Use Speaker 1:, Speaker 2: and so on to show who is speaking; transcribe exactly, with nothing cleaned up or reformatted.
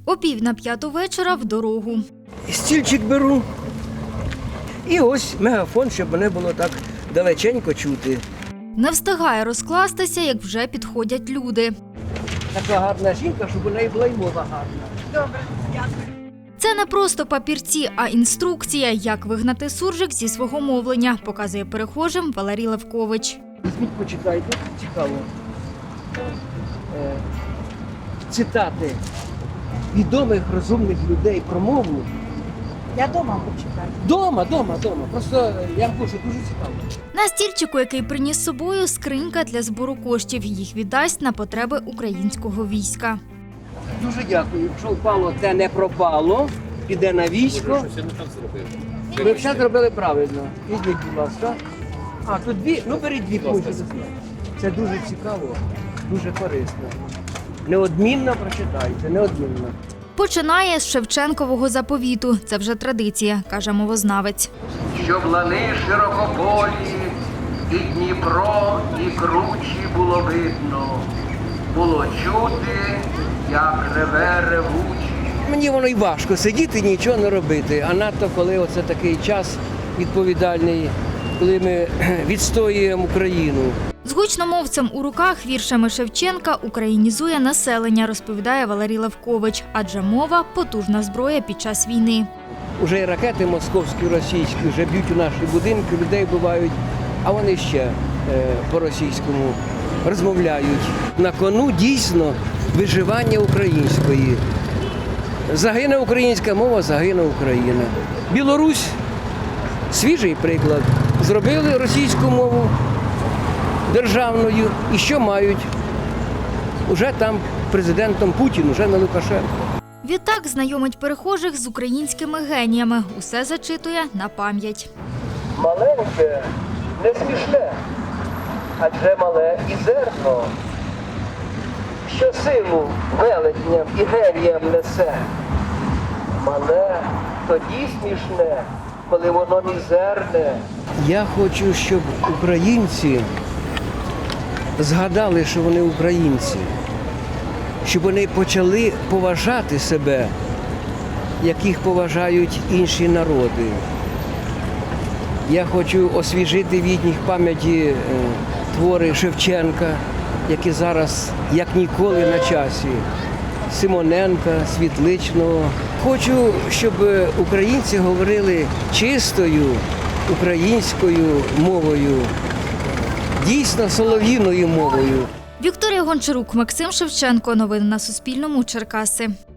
Speaker 1: О пів на п'яту вечора в дорогу.
Speaker 2: Стільчик беру. І ось мегафон, щоб мене було так далеченько чути.
Speaker 1: Не встигає розкластися, як вже підходять люди.
Speaker 2: Така гарна жінка, щоб у неї була й мова гарна. Добре, дякую.
Speaker 1: Це не просто папірці, а інструкція, як вигнати суржик зі свого мовлення, показує перехожим Валерій Левкович.
Speaker 2: Візьміть, почитайте, цікаво. Е, цитати відомих розумних людей про мову.
Speaker 3: Я дома почитаю.
Speaker 2: Дома, дома, дома. Просто я вам кажу, дуже цікаво.
Speaker 1: На стільчику, який приніс з собою, скринька для збору коштів. Їх віддасть на потреби українського війська.
Speaker 2: Дуже дякую. Якщо впало, те не пропало, піде на військо. Ви все зробили правильно. Візьміть, будь ласка. А, тут дві, ну беріть дві пункти. Це дуже цікаво, дуже корисно. Неодмінно прочитайте, неодмінно.
Speaker 1: Починає з Шевченкового заповіту. Це вже традиція, каже мовознавець.
Speaker 4: Щоб лани широкополі, і Дніпро, і кручі було видно, було чути, як реве ревучий.
Speaker 2: Мені воно й важко сидіти, нічого не робити, а надто коли оце такий час відповідальний, коли ми відстоюємо Україну.
Speaker 1: З гучномовцем у руках віршами Шевченка українізує населення, розповідає Валерій Левкович. Адже мова – потужна зброя під час війни.
Speaker 2: Уже і ракети московські, російські вже б'ють у наші будинки, людей вбивають, а вони ще е, по-російському розмовляють. На кону дійсно виживання української. Загине українська мова, загине Україна. Білорусь – свіжий приклад. Зробили російську мову державною. І що мають? Уже там президентом Путін, уже не Лукашенко.
Speaker 1: Відтак знайомить перехожих з українськими геніями. Усе зачитує на пам'ять.
Speaker 2: Маленьке не смішне, адже мале і зерно, що силу велетням і геніям несе. Мале тоді смішне, коли воно мізерне. Я хочу, щоб українці згадали, що вони українці, щоб вони почали поважати себе, як їх поважають інші народи. Я хочу освіжити в їхніх пам'яті твори Шевченка, які зараз, як ніколи, на часі. Симоненка, Світличного. Хочу, щоб українці говорили чистою українською мовою, дійсно солов'їною мовою.
Speaker 1: Вікторія Гончарук, Максим Шевченко. Новини на Суспільному. Черкаси.